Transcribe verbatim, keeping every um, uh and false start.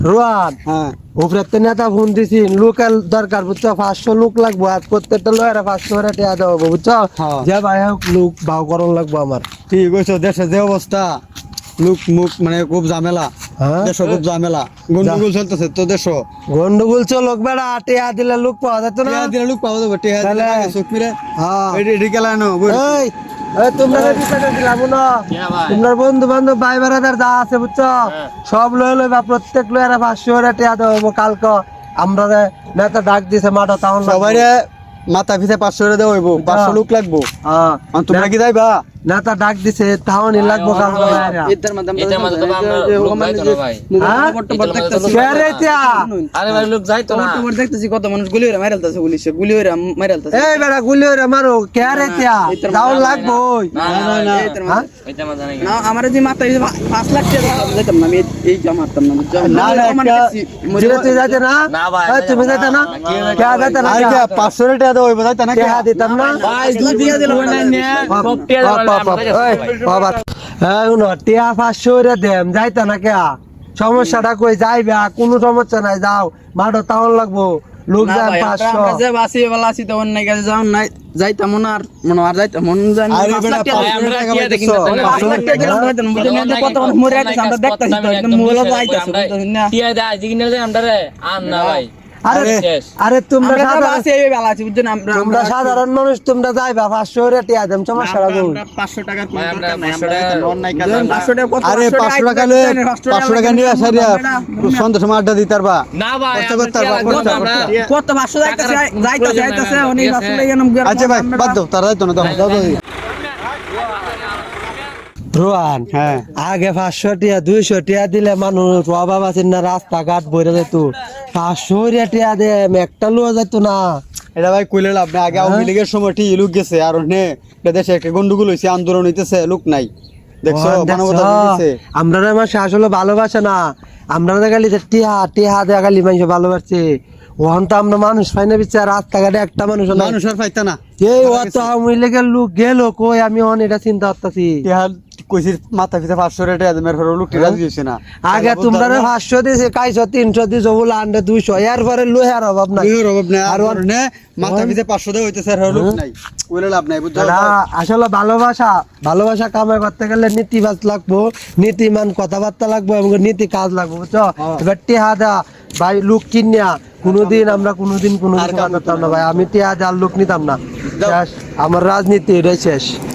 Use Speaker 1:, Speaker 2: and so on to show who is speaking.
Speaker 1: রোহান
Speaker 2: হ্যাঁ
Speaker 1: উপরে তো নেতা ফোন দিছি লোকাল দরকার বুঝছো পাঁচশো লোক লাগবো আর প্রত্যেকটা লয়েরা পাঁচশো করে টিয়া দেবো বুঝছো
Speaker 2: হ্যাঁ।
Speaker 1: যে ভাই হোক লোক ভাও করণ লাগবো আমার
Speaker 2: ঠিক কইছো দেশের যে অবস্থা লোক মুখ মানে খুব ঝামেলা
Speaker 1: হ্যাঁ
Speaker 2: দেশ খুব ঝামেলা গন্ডগোল চলতেছে তো দেশ
Speaker 1: গন্ডগোল চো লোক বেড়া টিয়া দিলে লোক পাওয়া যেত না
Speaker 2: টিয়া দিলে লোক পাওয়া যাবে টিয়া দিলে
Speaker 1: তাহলে-
Speaker 2: আগে চোখ মিলে
Speaker 1: হ্যাঁ
Speaker 2: এডি এডি গেলানো
Speaker 1: এই এই তোমরা যে বিষয়টা দিলাম না তোমার বন্ধু বান্ধব ভাই বেড়াদার যা আছে বুঝছো সব লয়ে লইবা প্রত্যেক লয়েরা পাঁচশো করে টিয়া দেবো কালকে আমরা যে নেতা ডাক দিছে মাঠে তাহলে
Speaker 2: সবাই মাথা পিছে পাঁচশো করে দেওয়া হইব পাঁচশো লোক লাগবো
Speaker 1: হ্যাঁ
Speaker 2: আর তোমরা কি যাইবা
Speaker 1: নেতা ডাক দিছে তাহলে লাগবো কালকে লয়েরা
Speaker 3: এটার মধ্যে তো আমরা লোক যাইতো না ভাই
Speaker 1: হ্যাঁ কে রে টিয়া
Speaker 3: আরে ভাই লোক যাইতো না
Speaker 4: খবর দেখতেছি কত মানুষ গুলি হইরা মাইরালতাছে পুলিশে গুলি হইরা মাইরালতাছে
Speaker 1: এই বেড়া গুলি ওরে মারো কে রে টিয়া তাহলে লাগবো
Speaker 3: না না না
Speaker 1: হ্যাঁ
Speaker 3: এটা মজা নাই
Speaker 4: না আমার যে মাত্রা পাঁচ লাখ টাকা দিতাম না আমি এই জমা মারতাম না
Speaker 2: না, না, একটা-
Speaker 1: জিরে তুই যাইতে না
Speaker 3: না ভাই,
Speaker 1: এই তুমি যাইতে না কে যাইতে না
Speaker 2: আর কি পাঁচশো করে টিয়া দেওয়া হইব যাইতা না
Speaker 1: কে দিতাম না
Speaker 3: ভাই দুই দিকে দিল না সব টিয়া
Speaker 1: বাবা এই উনো টিয়া পাঁচশো করে দেম যাইতে না কে সমস্যাটা কই যাইবা কোনো সমস্যা নাই যাও মাঠে তাহলে লাগবো লোক
Speaker 4: না
Speaker 1: যায়
Speaker 4: ভাই,
Speaker 1: পাঁচশো
Speaker 4: আমরা যে বাসি বেলা আছি তখন নাই কাছে যাও নাই যাইতাম না আর মনে আর যাইতাম মন জানি
Speaker 2: আরে
Speaker 4: পাঁচ
Speaker 2: বেটা,
Speaker 4: লাখ টাকা
Speaker 2: পাঁচ
Speaker 3: আমরা
Speaker 2: টাকা
Speaker 3: টিয়া দেখি না
Speaker 2: পাইতেছো।
Speaker 3: তাহলে
Speaker 4: পাঁচ লাখ টাকা দিলাম যাইতাম বুঝলেন না কত মানুষ মরে যাইতেছে আমরা দেখতাছি তো একদম মোবাইলে তো আইতাছে বুঝছেন না
Speaker 3: টিয়া দে আজ কিনে দে আমরা রে আন না ভাই
Speaker 1: আরে
Speaker 3: শেষ।
Speaker 1: আরে তোমরা
Speaker 4: আমরা যে
Speaker 1: সাধারণ
Speaker 4: বাসি এই বেলা আছি বুঝছেন আমরা
Speaker 1: তোমরা সাধারণ মানুষ তোমরা যাইবা পাঁচশো করে টিয়া দেম সমস্যা লাগবো
Speaker 4: আমরা পাঁচশো টাকা
Speaker 3: ভাই, আমরা পাঁচশো টাকা-
Speaker 4: পাঁচশো টাকা কত
Speaker 2: আরে পাঁচশো টাকা লয়ে পাঁচশো টাকা নিয়ে আসা রিয়া সন্ধ্যা সময় আড্ডা দিতে পারবা
Speaker 3: না ভাই
Speaker 2: কষ্ট
Speaker 3: আমরা
Speaker 2: করতে
Speaker 3: টিয়া
Speaker 2: পারবো,
Speaker 3: লাগবো না,
Speaker 2: কষ্ট
Speaker 3: আমরা
Speaker 2: করতে
Speaker 4: কত পাঁচশো যাইতাছে যাইতাছে যাইতাছে অনেক পাঁচশো টাকা এরকম
Speaker 2: আচ্ছা ভাই বাদ দাও তারা যাইতো না দাও দাও দাও।
Speaker 1: রোহান
Speaker 2: হ্যাঁ
Speaker 1: আগে পাঁচশো টিয়া দুইশো টিয়া দিলে মানুষ অভাব আছে না রাস্তাঘাট বইরে যেত পাঁচশো টিয়া দে একটা লোয়া যেত না
Speaker 2: এটা ভাই কইলে লাভ নাই আগে আওয়ামী লীগের সময় ঠিক লোক গেছে আর নে এটা দেশে একটা গন্ডগোল হইছে আন্দোলন হইতেছে লোক নাই দেখছো
Speaker 1: ওহান দেখছো?
Speaker 2: মানবতা হইছে
Speaker 1: আমরা মাসে আসলে ভালোবাসে না আমরা দেখালি টিয়া টিয়া দেখালি মানুষ ভালোবাসছে ওখান তো আমরা মানুষ পাই না বিচার রাস্তাঘাটে একটা মানুষ নাই।
Speaker 2: মানুষ আর পাইতা না
Speaker 1: এই অত আওয়ামী লীগের লোক গেল কই আমি অন এটা চিন্তা করতেছি
Speaker 2: ইহা কইছি মাথা পিছে পাঁচশো রেটে মেরে ফের লোকটি রাজি হইছে না
Speaker 1: আগে তোমরা পাঁচশো দিয়েছে কাইশো তিনশো দিয়েছো বলে আন্ডে দুইশো এর পরে লোহার অভাব নাই
Speaker 2: ইহর অভাব নাই আর
Speaker 1: আর
Speaker 2: নে মাথা পিছে পাঁচশো দেওয়া হইতেছে আর লোক নাই কইলে লাভ নাই বুঝছো
Speaker 1: না, আসলে ভালোবাসা ভালোবাসা কামাই করতে গেলে নীতিবাজ লাগবো নীতিমান কথাবার্তা লাগবো এবং নীতি কাজ লাগবো বুঝছো এবার টিহা দা ভাই লোক কিনিয়া কোনোদিন আমরা কোনোদিন কোনো
Speaker 2: আর
Speaker 1: কিছু
Speaker 2: কাম
Speaker 1: করতাম না ভাই আমি টিহা দেওয়ার লোক নিতাম না শেষ। আমার রাজনীতি এটাই শেষ।